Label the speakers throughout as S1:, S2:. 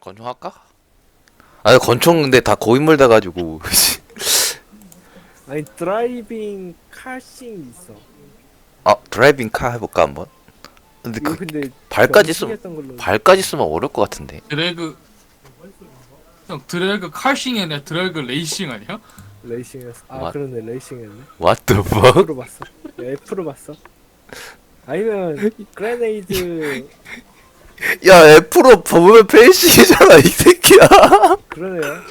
S1: 권총 할까? 아니 권총 근데 다 고인물 돼가지고
S2: 아니 드라이빙 카싱 있어.
S1: 아 드라이빙 카 해볼까 한번? 근데
S2: 이거
S1: 그
S2: 근데
S1: 발까지 쓰면
S2: 명시했던 걸로
S1: 발까지 쓰면 어려울 것 같은데.
S3: 드래그 형 드래그 칼싱이 아니라 드래그 레이싱 아니야?
S2: 레이싱했어. 아
S1: What?
S2: 그러네 레이싱했네.
S1: What the fuck?
S2: F로 봤어. F로 봤어. 아니면 그레네이드
S1: 야 F로 보면 페이시잖아 이 새끼야.
S2: 그러네요.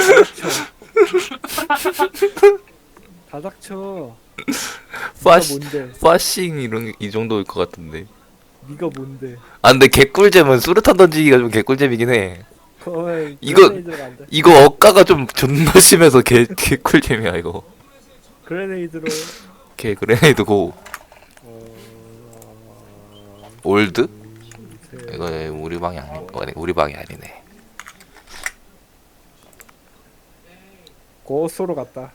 S2: 다 닥쳐. 네가
S1: 파시
S2: 뭔데?
S1: 파싱 이런 이 정도일 것 같은데.
S2: 네가 뭔데?
S1: 아 근데 개꿀잼은 수류탄 던지기가 좀 개꿀잼이긴 해.
S2: 그러면
S1: 이거-
S2: 그레네이드가 안 돼.
S1: 이거 억가가 좀 존나 심해서 개꿀잼이야 이거.
S2: 그레네이드로
S1: 개 그레네이드고 올드?
S2: 셋.
S1: 이거 우리 방이 아니 우리 방이 아니네.
S2: 고소로 갔다.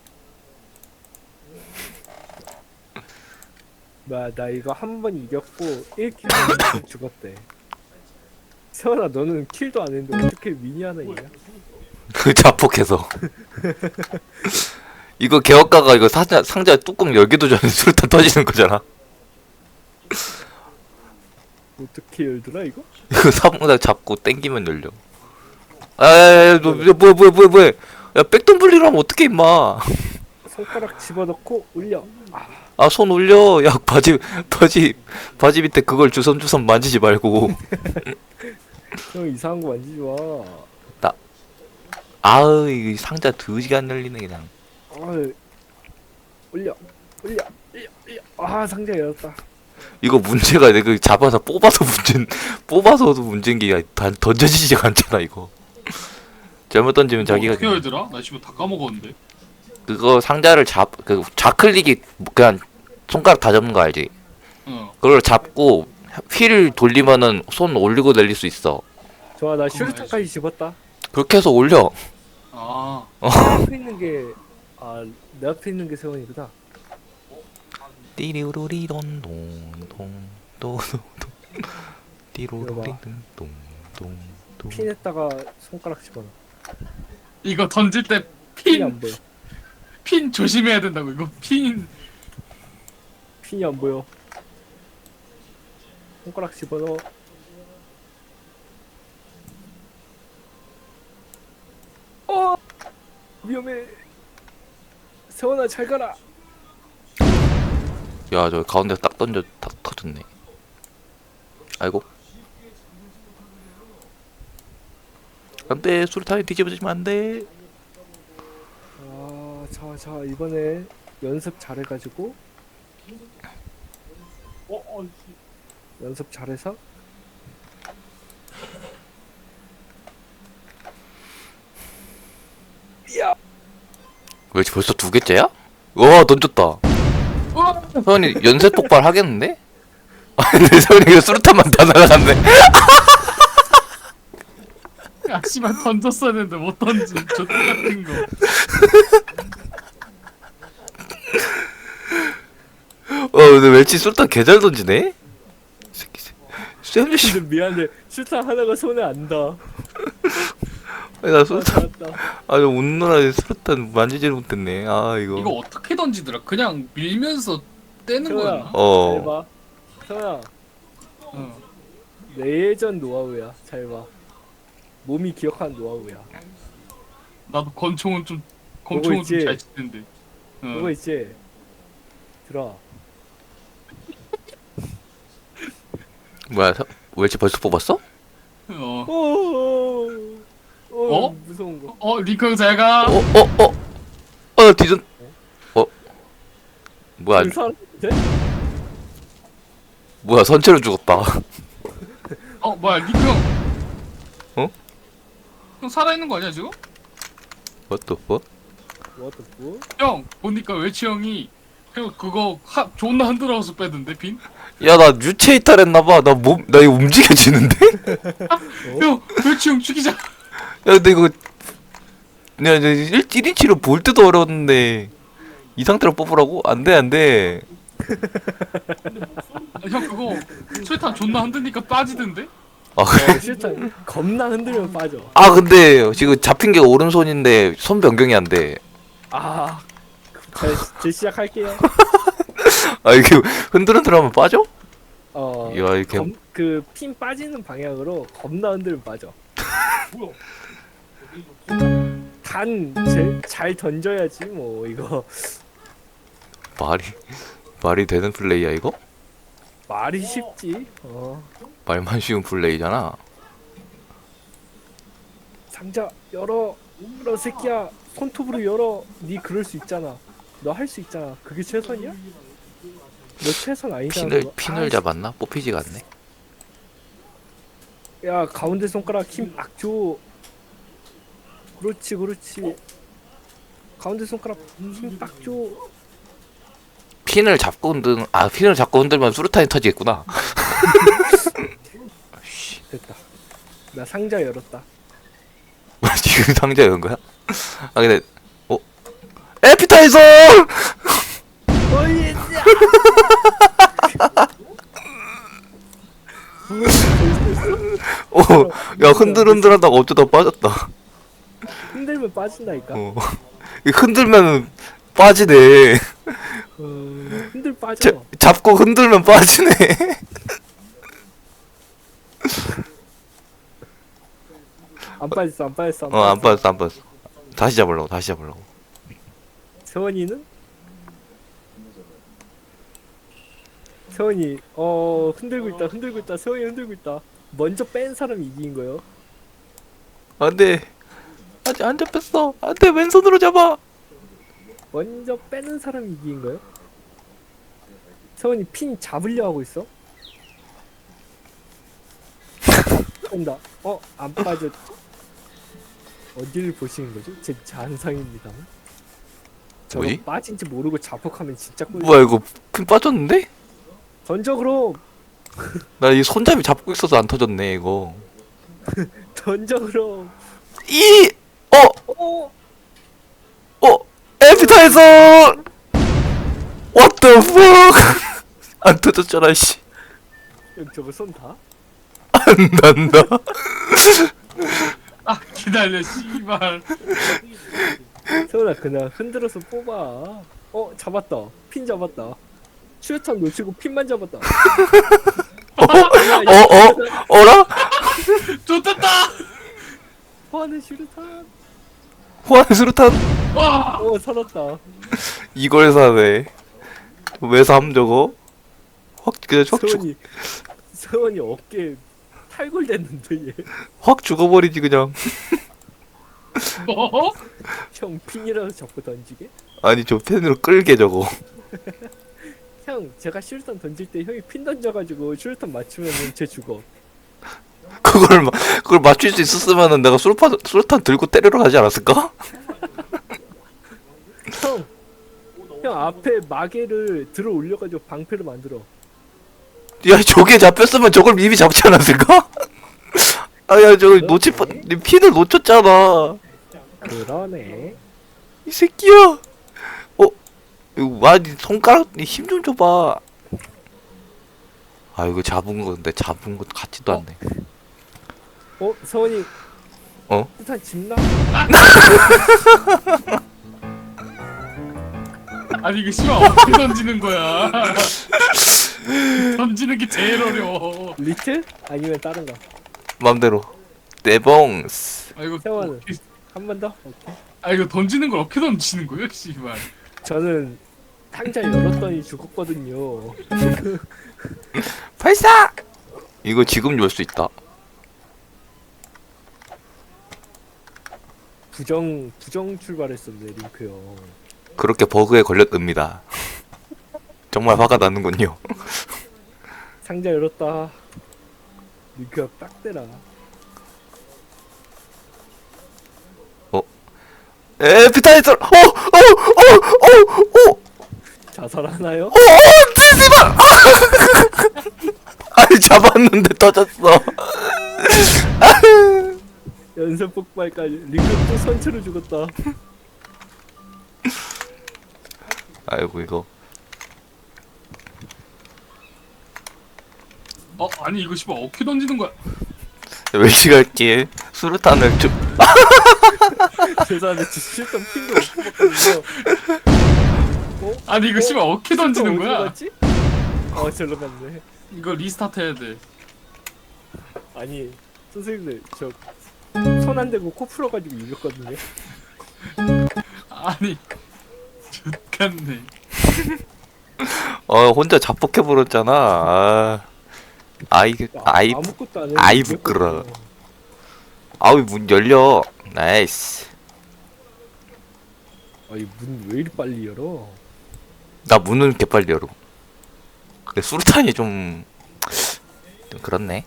S2: 나 이거 한 번 이겼고 1킬 죽었대. 세원아 너는 킬도 안 했는데 어떻게 미니 하나 있냐?
S1: 그 자폭해서. 이거 개업가가 이거 상자 뚜껑 열기도 전에 수류탄 터지는 거잖아.
S2: 어떻게 열더라 이거?
S1: 이거 상자 잡고 땡기면 열려. 아야야야 너 뭐야. 야 백돈 불리로 하면 어떡해 임마.
S2: 손가락 집어넣고 올려.
S1: 아 손 올려. 야 바지 밑에 그걸 주섬주섬 만지지 말고.
S2: 형 이상한 거 만지지 마.
S1: 아으 이 상자 드지게 안 열리네 그냥.
S2: 올려. 올려. 올려. 아 상자 열었다.
S1: 이거 문제가 내가 잡아서 뽑아서도 문제인 게 던져지지가 않잖아 이거. 잘못 던지면 자기가
S3: 어떻게 열더라? 나 지금 다 까먹었는데.
S1: 그거 상자를 그 좌클릭이 그냥 손가락 다 잡는 거 알지? 그걸 잡고 휠 돌리면은 손 올리고 내릴 수 있어.
S2: 좋아 나 슈루탄까지 집었다.
S1: 그렇게 해서 올려.
S3: 아
S2: 내 앞에 있는 내 앞에 있는 게 세원이구나.
S1: 띠리우루리돈동동동동 띠로리돈동동동
S2: 핀에다가 손가락 집어넣어.
S3: 이거 던질 때
S2: 핀이
S3: 핀
S2: 안 보여.
S3: 핀 조심해야 된다고. 이거 핀
S2: 핀이 안 보여. 손가락 집어넣어. 위험해. 세원아 잘 가라.
S1: 야, 저 가운데 딱 던져 딱 터졌네. 아이고. 안돼, 수류탄이 뒤집어지면 안돼.
S2: 자 이번에 연습 잘해가지고 연습 잘해서 야
S1: 왜 벌써 두 개째야? 와, 던졌다. 서현이 연쇄 폭발 하겠는데? 아니, 내 서현이가 수류탄만 다 날아갔네.
S3: 야 씨발 던졌어야 되는데 못 던진 저 같은 거.
S1: 근데 멸치 수류탄 개잘 던지네? 새끼. 쌤 씨.
S2: 근데 미안해 슈탄 하나가 손에 안 닿아.
S1: 나 수류탄.
S2: 잘했다.
S1: 아, 저 웃느라 수류탄 만지지를 못했네. 아, 이거.
S3: 이거 어떻게 던지더라? 그냥 밀면서 떼는
S2: 세원아
S3: 거였나?
S2: 잘봐. 세원아
S3: 어.
S2: 내 예전 노하우야. 잘봐. 몸이 기억하는 노하우야.
S3: 나도 권총은 좀
S2: 보고 있지?
S3: 잘 치는데.
S2: 그거 있지? 들어.
S1: 뭐야, 멸치 벌써 뽑았어?
S3: 어?
S2: 무서운 거.
S3: 리크 형 잘 가.
S1: 나 뒤전. 뭐야,
S2: 그 사람인데?
S1: 뭐야, 선체로 죽었다.
S3: 뭐야 리크 형.
S1: 어?
S3: 형 살아있는 거 아니야 지금?
S1: What the fuck?
S2: What the fuck?
S3: 형 보니까 외치 형이 형 그거 존나 흔들어서 빼던데 핀?
S1: 야, 나 유체 이탈했나봐. 나 이거 움직여지는데?
S3: 형 외치 형 죽이자.
S1: 야, 근데 이거. 내가 1인치로 볼 때도 어려웠는데. 이 상태로 뽑으라고? 안 돼, 안 돼.
S3: 형 그거 수류탄 존나 흔드니까 빠지던데?
S1: 아 그래?
S2: 실탄 겁나 흔들면 빠져.
S1: 아 근데 지금 잡힌 게 오른손인데 손 변경이 안 돼.
S2: 아, 자, 제 시작할게요.
S1: 아 이게 흔들흔들하면 빠져?
S2: 어,
S1: 야 이렇게
S2: 그핀 빠지는 방향으로 겁나 흔들면 빠져. 잘 던져야지 뭐 이거
S1: 말이 되는 플레이야 이거?
S2: 말이 쉽지.
S1: 말만 쉬운 플레이잖아.
S2: 상자 열어 새끼야, 손톱으로 열어. 니 그럴 수 있잖아. 너 할 수 있잖아. 그게 최선이야? 너 최선 아니잖아.
S1: 핀을 잡았나? 뽑히지가 않네.
S2: 야, 가운데 손가락 힘 딱 줘. 그렇지. 가운데 손가락 힘 딱 줘.
S1: 핀을 잡고 흔들면 수류탄이 터지겠구나.
S2: 됐다. 나 상자 열었다.
S1: 지금 상자 연 거야? 아 근데 에피타이저!
S2: 어이,
S1: 야 흔들흔들하다가 어쩌다 빠졌다.
S2: 흔들면 빠진다니까.
S1: 흔들면 빠지네.
S2: 흔들 빠져.
S1: 잡고 흔들면 빠지네.
S2: 안 빠졌어.
S1: 안 빠졌어. 다시 잡으려고.
S2: 세원이는? 세원이 흔들고 있다. 세원이 흔들고 있다. 먼저 뺀 사람이 이긴 거요.
S1: 안돼. 아직 안 잡혔어. 안돼 왼손으로 잡아.
S2: 먼저 빼는 사람이 이긴 거요. 세원이 핀 잡으려 하고 있어. 온다. 안 빠졌. 어디를 보시는 거죠? 제 잔상입니다. 저거
S1: 뭐지?
S2: 빠진지 모르고 자폭하면 진짜 꿀.
S1: 뭐야 이거 핀 빠졌는데?
S2: 던져 그럼.
S1: 나 이 손잡이 잡고 있어서 안 터졌네 이거.
S2: 던져 그럼.
S1: 어 에피타이저! What the fuck? 안 터졌잖아 씨.
S2: 형 저거 손 다?
S1: 안 난다.
S3: 아 기다려 씨발.
S2: 세훈아 그냥 흔들어서 뽑아. 잡았다. 핀 잡았다. 슈탄 놓치고 핀만 잡았다.
S1: 어라?
S3: 좋됐다.
S2: 화는 슈탄.
S1: 호환 수류탄
S3: 와.
S2: 살았다.
S1: 이걸 사네. 왜 삼 저거? 그냥
S2: 세훈이 어깨 탈골됐는데 얘.
S1: 확 죽어버리지 그냥.
S3: 뭐?
S2: 형 핀이라도 잡고 던지게?
S1: 아니 저 펜으로 끌게 저거.
S2: 형 제가 슈탄 던질 때 형이 핀 던져가지고 슈탄 맞추면은 쟤 죽어.
S1: 그걸 맞출 수 있었으면은 내가 수류탄 들고 때리러 가지 않았을까?
S2: 형 앞에 마개를 들어 올려가지고 방패를 만들어.
S1: 야 저게 잡혔으면 저걸 이미 잡지 않았을까? 아야 저거 핀을 놓쳤잖아.
S2: 그러네.
S1: 이 새끼야. 이거 와니 손가락 힘 좀 줘봐. 아 이거 잡은 거 같지도 않네.
S2: 서원이
S1: 어?
S2: 슈탄 집나?
S3: 아니 이거 씨발 어떻게 던지는 거야? 던지는 게 제일 어려워.
S2: 리틀? 아니면 다른 거?
S1: 맘대로. 네봉스.
S3: 아 이거
S2: 세원은 한 번 더? 오케이.
S3: 아 이거 던지는 걸 어떻게 던지는 거예요, 씨발?
S2: 저는 상자 열었더니 죽었거든요.
S1: 발사! 이거 지금 열 수 있다.
S2: 부정 출발했었네 링크 형.
S1: 그렇게 버그에 걸렸습니다. 정말 화가 나는군요.
S2: 상자 열었다. 링크 형 딱 대라.
S1: 에피타이저!
S2: 자살하나요?
S1: 제발! 아니 잡았는데 터졌어.
S2: 연쇄 폭발까지. 링크 또 선체로 죽었다.
S1: 아이고 이거.
S3: 아니 이거 씨발 어떻게 던지는 거야?
S1: 멸치갈길 수류탄을 좀
S2: 죄송한데 실전 핑도 못 뽑았거든요.
S3: 아니 이거 씨발 어떻게 던지는 거야?
S2: 갔지? 절로 갔네.
S3: 이거 리스타트 해야 돼.
S2: 아니 선생님들 저 손 안 대고 코 풀어가지고 이겼거든요.
S3: 아니 좋겠네.
S1: 혼자 자폭해버렸잖아. 아이
S2: 아무것도 안 해.
S1: 아이 부끄러워. 아우 문 열려. 나이스.
S2: 아니 문 왜 이리 빨리 열어?
S1: 나 문은 개빨리 열어. 근데 수류탄이 좀 그렇네.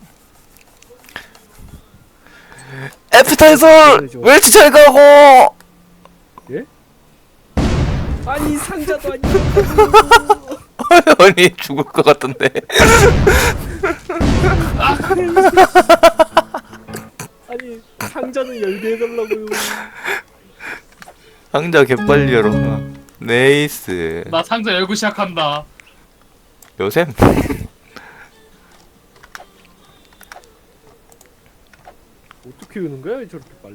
S1: 애프타이저 웰치 잘 가고.
S2: 예? 아니 상자도 아니고.
S1: 아니 죽을 것 같던데.
S2: 아니 상자는 열게 해달라고요.
S1: 상자 개빨리 열어. 네이스.
S3: 나 상자 열고 시작한다.
S1: 요샘.
S2: 어떻게 여는 거야 저렇게 빨리?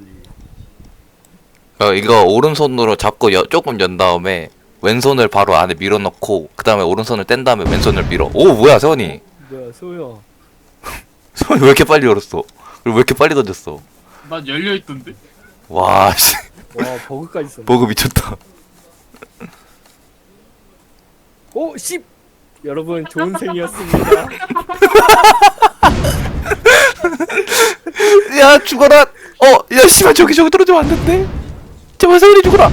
S1: 이거 오른손으로 잡고 조금 연 다음에 왼손을 바로 안에 밀어넣고 그 다음에 오른손을 뗀 다음에 왼손을 밀어. 오 뭐야 세원이.
S2: 뭐야 소야?
S1: 세원이 왜 이렇게 빨리 열었어? 그리고 왜 이렇게 빨리 던졌어?
S3: 난 열려 있던데.
S1: 와 씨.
S2: 와 버그까지 있었네.
S1: 버그 미쳤다.
S2: 오 10. 여러분 좋은 생이었습니다.
S1: 야 죽어라. 야 씨발 저기 떨어지면 안 된대. 제발 세원이 죽어라.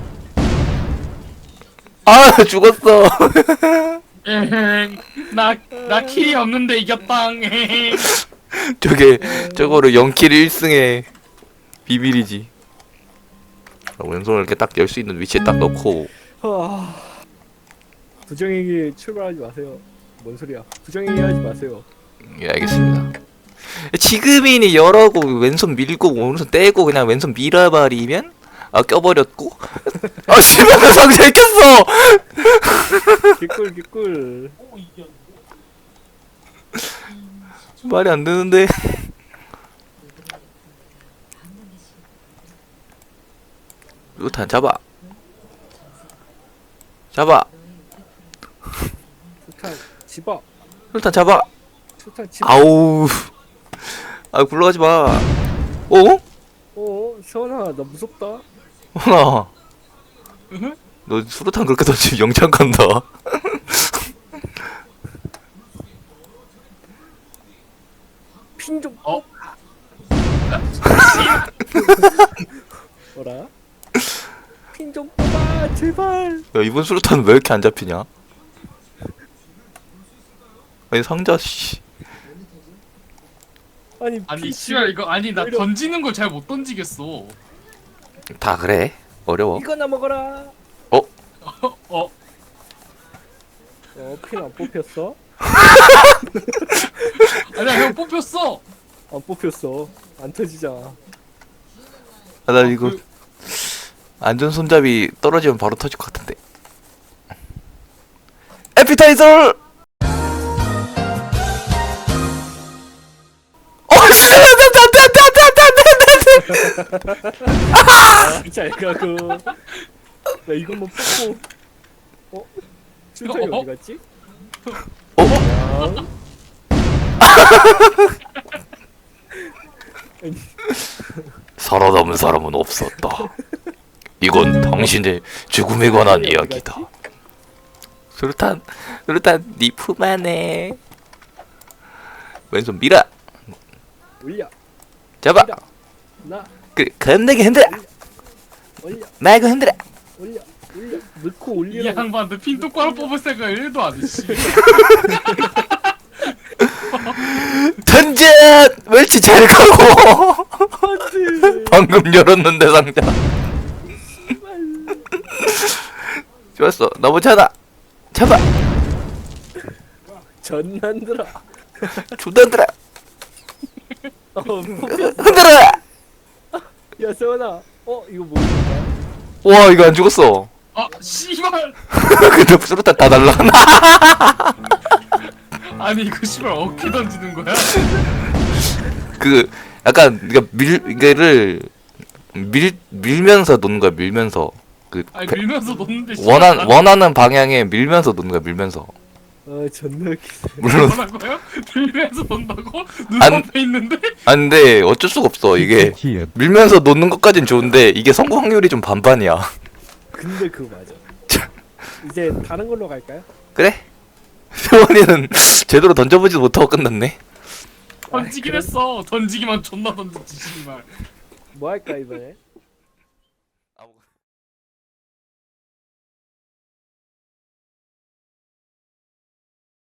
S1: 아 죽었어.
S3: 에행. 나 킬이 없는데 이겼당. 에행.
S1: 저거를 0킬 1승의 비밀이지. 왼손을 이렇게 딱 열 수 있는 위치에 딱 넣고.
S2: 부정행위 출발하지 마세요. 뭔 소리야? 부정행위 하지 마세요.
S1: 예 알겠습니다. 지금이니 열하고 왼손 밀고 오른손 떼고 그냥 왼손 밀어버리면 껴버렸고. 씨발 나 상자에 꼈어.
S2: 개꿀.
S1: 말이 안 되는데. 루탄 잡아.
S2: 수탄 집어.
S1: 루탄 잡아.
S2: 수탄 집어.
S1: 아우. 굴러가지 마.
S2: 세원아 나 무섭다.
S1: 호나. 너 수류탄 그렇게 던지면 영창 간다.
S2: 핀 좀. 뭐라? 핀 좀 뽑아 제발.
S1: 야 이번 수류탄 왜 이렇게 안 잡히냐? 아니 상자 씨.
S3: 아니 씨발 이거 아니 나 던지는 걸 잘 못 던지겠어.
S1: 다 그래. 어려워.
S2: 이거나 먹어라. 핀 안 뽑혔어?
S3: 아니야 형 뽑혔어.
S2: 안 뽑혔어. 안 터지잖아.
S1: 나 이거 안전 손잡이 떨어지면 바로 터질 것 같은데. 에피타이저.
S2: 잘 가고. 나 이것만 뽑고. 춘천이 어디 갔지?
S1: 살아남은 사람은 없었다. 이건 당신의 죽음에 관한 이야기다. 수류탄 니 품 안에. 왼손 밀어.
S2: 올려.
S1: 잡아.
S2: 나
S1: 겁나게 흔들어.
S2: 올려.
S1: 말고 흔들어.
S2: 올려. 넣고
S3: 이
S2: 올리라고.
S3: 양반들 핀 똑바로 뽑을 생각 1도 안 해. 씨.
S1: 던져. 멸치 잘 가고.
S2: 안돼.
S1: 방금 열었는데 상자. 좋았어. 나머지 하나. 잡아.
S2: 전난들아.
S1: 존나 흔들어.
S2: 뽑혔어.
S1: 흔들어.
S2: 야 세원아. 이거 뭐야?
S1: 와 이거 안 죽었어.
S3: 씨발.
S1: 근데 수류탄 다 날라가나.
S3: 아니 이거 씨발 어떻게 던지는 거야?
S1: 그 약간 그러니까 이거를 밀면서 놓는 거야. 밀면서 그
S3: 아니 밀면서 놓는데
S1: 원하는 방향에 밀면서 놓는 거야. 밀면서.
S2: 존나 웃기네.
S1: 물론
S3: 뭐라고요? 밀면서 놓는다고?
S1: 안-
S3: 눈앞에 있는데?
S1: 아 근데 어쩔 수가 없어. 이게 밀면서 놓는 것까진 좋은데 이게 성공 확률이 좀 반반이야.
S2: 근데 그거 맞아. 이제 다른 걸로 갈까요?
S1: 그래? 세원이는 제대로 던져보지도 못하고 끝났네.
S3: 던지긴 했어. 던지기만 존나 던졌지 씨발.
S2: 뭐 할까 이번에?